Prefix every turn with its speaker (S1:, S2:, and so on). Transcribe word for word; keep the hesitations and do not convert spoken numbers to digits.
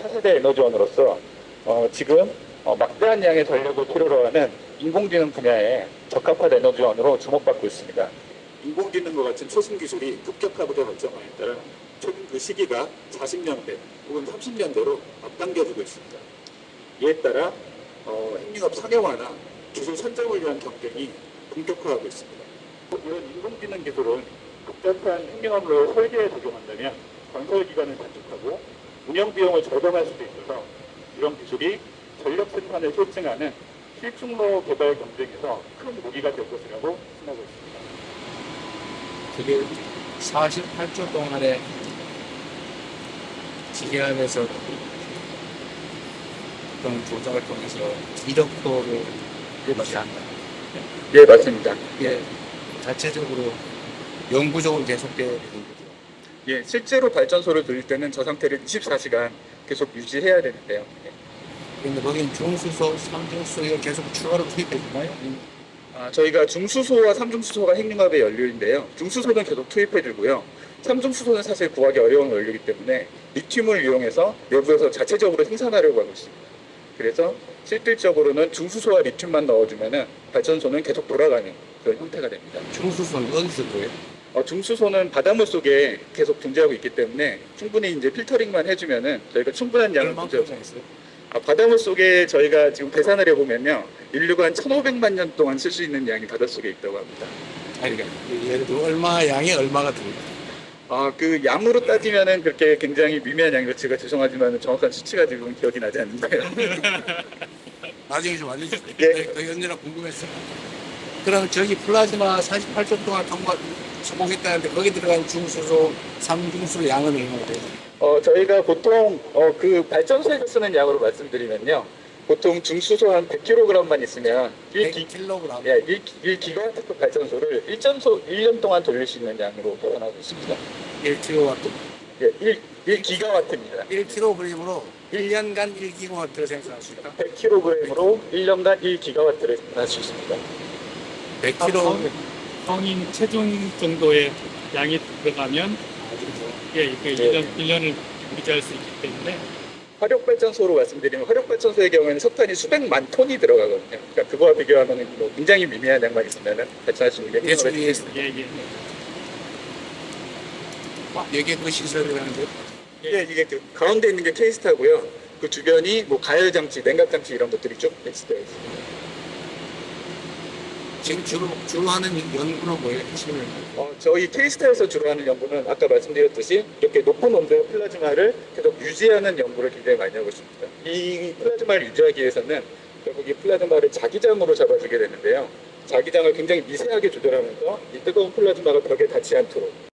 S1: 차세대 에너지원으로서 어, 지금 어, 막대한 양의 전력을 필요로 하는 인공지능 분야에 적합한 에너지원으로 주목받고 있습니다. 인공지능과 같은 최신 기술이 급격하게 발전함에 따라 최근 그 시기가 사십 년대 혹은 삼십 년대로 앞당겨지고 있습니다. 이에 따라 어, 핵융합 상용화나 기술 선점을 위한 경쟁이 본격화하고 있습니다. 이런 인공지능 기술은 복잡한 핵융합을 설계에 적용한다면 건설 기간을 단축하고 운영 비용을 절감할 수도 있어서 이런 기술이 전력 생산을 실증하는 실충로 개발 경쟁에서 큰 무기가 될 것이라고 생각하고 있습니다.
S2: 그게 사십팔 조 동안에 기계안에서 그런 조작을 통해서 일억 도를 유지한다.
S1: 예, 맞습니다.
S2: 이게 자체적으로 영구적으로 계속돼야 되는 거죠.
S1: 예, 실제로 발전소를 돌릴 때는 저 상태를 이십사 시간 계속 유지해야 되는데요. 예.
S2: 그런데 거긴 중수소, 삼중수소 이걸 계속 추가로 투입해 주나요?
S1: 아, 저희가 중수소와 삼중수소가 핵융합의 연료인데요. 중수소는 계속 투입해주고요. 삼중수소는 사실 구하기 어려운 원료이기 때문에 리튬을 이용해서 내부에서 자체적으로 생산하려고 하고 있습니다. 그래서 실질적으로는 중수소와 리튬만 넣어주면 발전소는 계속 돌아가는 그런 형태가 됩니다.
S2: 중수소는 어디서 구해요?
S1: 어, 중수소는 바닷물 속에 계속 존재하고 있기 때문에 충분히 이제 필터링만 해주면은 저희가 충분한 양을
S2: 얼마큼
S1: 공급.
S2: 있어요?
S1: 아, 바닷물 속에 저희가 지금 계산을 해보면요, 인류가 한 천오백만 년 동안 쓸 수 있는 양이 바닷속에 있다고 합니다.
S2: 아니, 그러니까 예를 들어 얼마 양이 얼마가 들어요?
S1: 아, 그 양으로 따지면은 그렇게 굉장히 미미한 양이라 제가 죄송하지만 정확한 수치가 지금 기억이 나지 않는데요.
S2: 나중에 좀 알려주세요.
S1: 예.
S2: 그 언제나 궁금했어. 그럼 저기 플라즈마 사십팔 조 동안 통과 성공했다는데 거기 들어간 중수소, 삼중수소 양은 얼마나 돼요?
S1: 어, 저희가 보통 어, 그 발전소에서 쓰는 양으로 말씀드리면요, 보통 중수소 한 백 킬로그램만 있으면 일 기,
S2: 백 킬로그램.
S1: 예, 일 기가와트 발전소를 일 년 동안 돌릴 수 있는 양으로 표현하고 있습니다.
S2: 일 킬로와트.
S1: 예, 일, 일 기가와트입니다.
S2: 일 킬로그램으로 일 년간 일 기가와트를 생산할 수 있다.
S1: 백 킬로그램으로 일 년간 일 기가와트를 생산할 수 있습니다.
S2: 백
S3: 아,
S2: 킬로.
S3: 성인 체중 정도의 양이 들어가면 예, 그
S1: 네.
S3: 일 년, 일 년을 유지할 수 있기 때문에
S1: 화력발전소로 말씀드리면 화력발전소의 경우에는 석탄이 수백만 톤이 들어가거든요. 그러니까 그거와 비교하면 뭐 굉장히 미미한 양만 있으면 발전할 수 있는 게
S2: 예측
S1: 핵융합의
S2: 위해서.
S3: 예, 예.
S2: 여기에 그 시설이라는데
S1: 예, 이게 그 가운데 있는 게 케이스타고요. 그 주변이 뭐 가열 장치, 냉각 장치 이런 것들이 쭉 배치되어 있습니다.
S2: 지금 주로 주로 하는 연구는 뭐예요? 핵심을.
S1: 어, 저희 케이스타에서 주로 하는 연구는 아까 말씀드렸듯이 이렇게 높은 온도의 플라즈마를 계속 유지하는 연구를 굉장히 많이 하고 있습니다. 이 플라즈마를 유지하기 위해서는 결국 이 플라즈마를 자기장으로 잡아주게 되는데요. 자기장을 굉장히 미세하게 조절하면서 이 뜨거운 플라즈마가 벽에 닿지 않도록